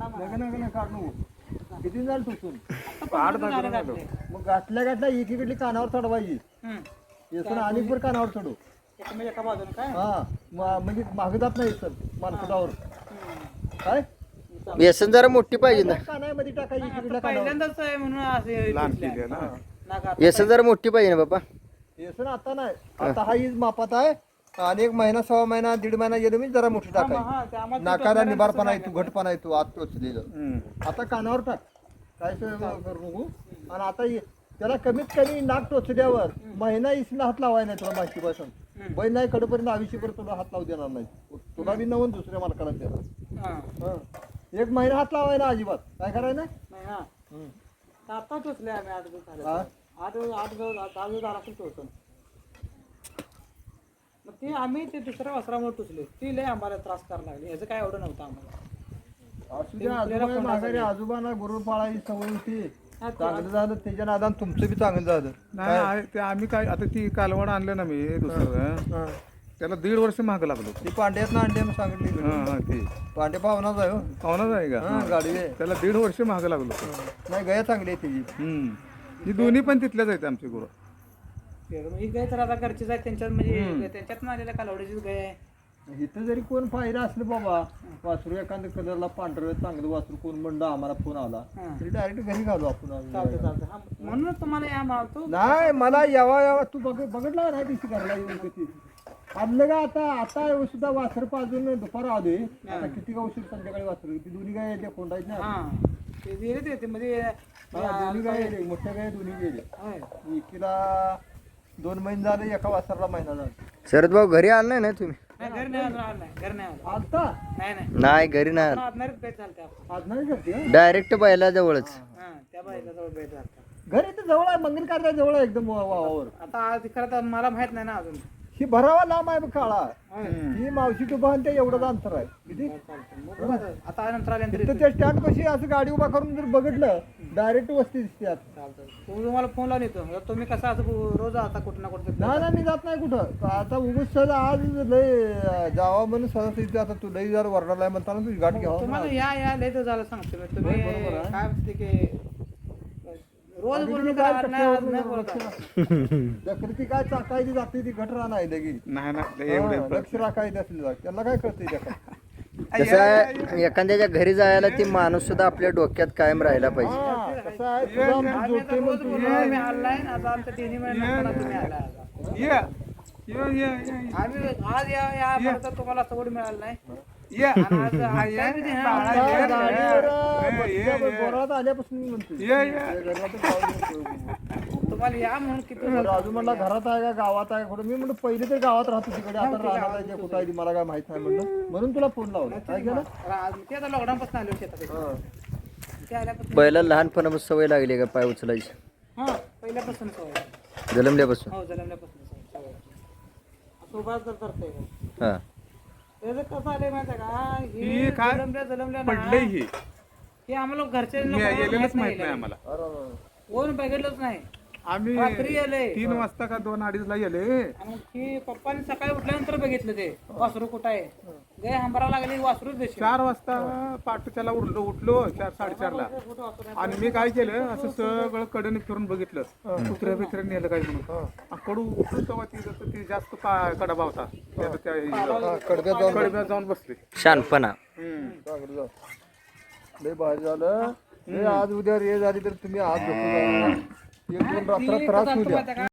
नका काढू किती झालं टोचून 8 झालं मग गाठल्या एकीकडली कानावर चढवायची येसून आणि पण कानावर चढू एका बाजूने काय हा म्हणजे मागे जात नाही सर मानकटावर काय व्यसन जरा मोठी पाहिजे ना कानामध्ये टाकायची इकडल्या पहिल्यांदाच आहे म्हणून असे लहान केली आहे ना नाका व्यसन जरा मोठी पाहिजे ना बाबा येसून आता नाही आता हा हीच मापात आहे आणि 1 महिना 6 महिना 1.5 महिना गेलो मी जरा मोठी टाकायची नाकाला निबारपणा आहे तू घटपणा आहे तू आत टोचलेलं आता कानावर टाक काय करू नको आणि आता त्याला कमीत कमी नाक टोचल्यावर महिना इसला हात लावाय नाही तुला माहिती पासून बैल नाही कडपर्यंत आयुष्यभर तुला हात लावू देणार नाही तुला बी नवून दुसऱ्या मालकाला देणार 1 महिना हात लावाय ना अजिबात काय करायला नाही आता टोचले आम्ही 8 दिवस झाले 8 दिवस टोचून मग ते आम्ही ते दुसऱ्या वस्त्रामुळे टोचले ती लय आम्हाला त्रास करायला लागली याचं काय एवढं नव्हतं आम्हाला असू द्या आजोबा माघारी आजोबांना गुरु पाळायची सवय होती चांगलं झालं त्याच्या नादान तुमचं बी चांगलं झालं नाही ते आम्ही काय आता ती कालवड आणलं ना मी दुसरं त्याला 1.5 वर्ष महाग लागलो ती पांड्यात ना अंडे सांगितली हा ते पांडे पाहुणाच आहे हो पाहुणाच आहे का गाडी आहे. त्याला 1.5 वर्ष महाग लागलो नाही गया चांगली आहे त्याची ही दोन्ही पण तिथल्याच आहेत आमची गुरु ही गाय तर आता घरचीच आहे त्यांच्यात म्हणजे त्यांच्यात आलेल्या कालवडीचीच गाय आहे इथं जरी कोण पाहिलं असलं बाबा वासरू एखाद्या कलरला पांढरं चांगलं वासरू कोण म्हणलं आम्हाला फोन आला तरी डायरेक्ट घरी घालू आपण म्हणूनच तुम्हाला या मावतो नाही मला यावा तू बघितला नाही दिवशी घरला येऊन किती आदलं का आता सुद्धा वासर पाजून दुपार आलोय आता किती का उशीर संध्याकाळी वासरू ती दोन्ही गाय येते कोंडायची ना ते मध्ये दोन्ही गाय येते मोठ्या गाय दोन्ही गेले एकीला 2 महिने झाले एका वासरला महिना झाला शरद भाऊ घरी आलं नाही ना तुम्ही घर नाही आता नाही घरी नाही आलं. आदनारीच भेट झालते आपण आज नाही करते डायरेक्ट बैला जवळच त्या बाईला जवळ भेट झालता घरी तर जवळ आहे मंगल कार्या जवळ आहे एकदम वावावर आता आज खरं मला माहित नाही ना अजून ही भरावा लांब आहे बघ काळा ही मावशी टोपा आणि ते एवढंच अंतर आहे किती आता नंतर आल्यानंतर तिथं त्या स्टँड कशी असं गाडी उभा करून जर बघितलं डायरेक्ट वस्ती दिसते आता तुम्हाला फोन लावून येतो तुम्ही कसं असं रोज आता कुठं ना कुठं नाही मी जात नाही कुठं आता उगच सहज आज लय जावा म्हणून सहज इथे आता तू लई जर वरडाला आहे म्हणताना तुझी गाठ घ्यावा तुम्हाला या लय तर झालं सांगतो मी तुम्ही काय म्हणते की रोज बोलून दखलती काय चाकायची जाते ती गट राहणार लगेच नाही लक्ष राखायचं असेल त्यांना काय कळतंय कसं आहे एखाद्याच्या घरी जायला ती माणूस सुद्धा आपल्या डोक्यात कायम राहायला पाहिजे कसं आहे तुझा जोडते मग तू मी आलाय आता आमच्या 3 महिन्यात तुम्ही आलाय आम्ही आज या तुम्हाला सवड मिळालं नाही घरात आल्यापासून तुम्हाला या म्हणून किती राजू म्हणला घरात आहे का गावात आहे कुठं मी म्हणलं पहिले तर गावात राहतो तिकडे आता राहणार आहे कुठं आहे मला काय माहित नाही म्हणलं म्हणून तुला फोन लावला काय केलं ते आता लॉकडाऊन पासून आले शेतात ते आल्यापासून बैला लहानपणापासून सवय लागली का पाय उचलायची पहिल्यापासून सवय जलमल्यापासून हो जलमल्यापासून सवय सोबत जर करते हा त्याचं कसं आलंय माहिती आहे का ही काय जलमल्या पडलंय हे आम्हाला घरचे गेलेलंच माहित नाही आम्हाला कोण बघितलंच नाही आम्ही रात्री आले 3 वाजता का 2-2:30 ला गेले आणि की पप्पाने सकाळी उठल्यानंतर बघितलं ते वासरू कुठं आहे गाय हंबरा लागली वासरूच देशी 4 वाजता पाठच्याला उठलो 4-4:30 ला आणि मी काय केलं असं सगळं कडेने फिरून बघितलं कुत्र्या बित्र्या नेलं काय म्हणून कडू उठून तेव्हा ती जास्त कडबा होता कडब्यात जाऊन बसले शानपणा लय भारी झालं आज उद्या रे झाली तर तुम्ही आज 1-2 रात्र त्रास होऊ द्या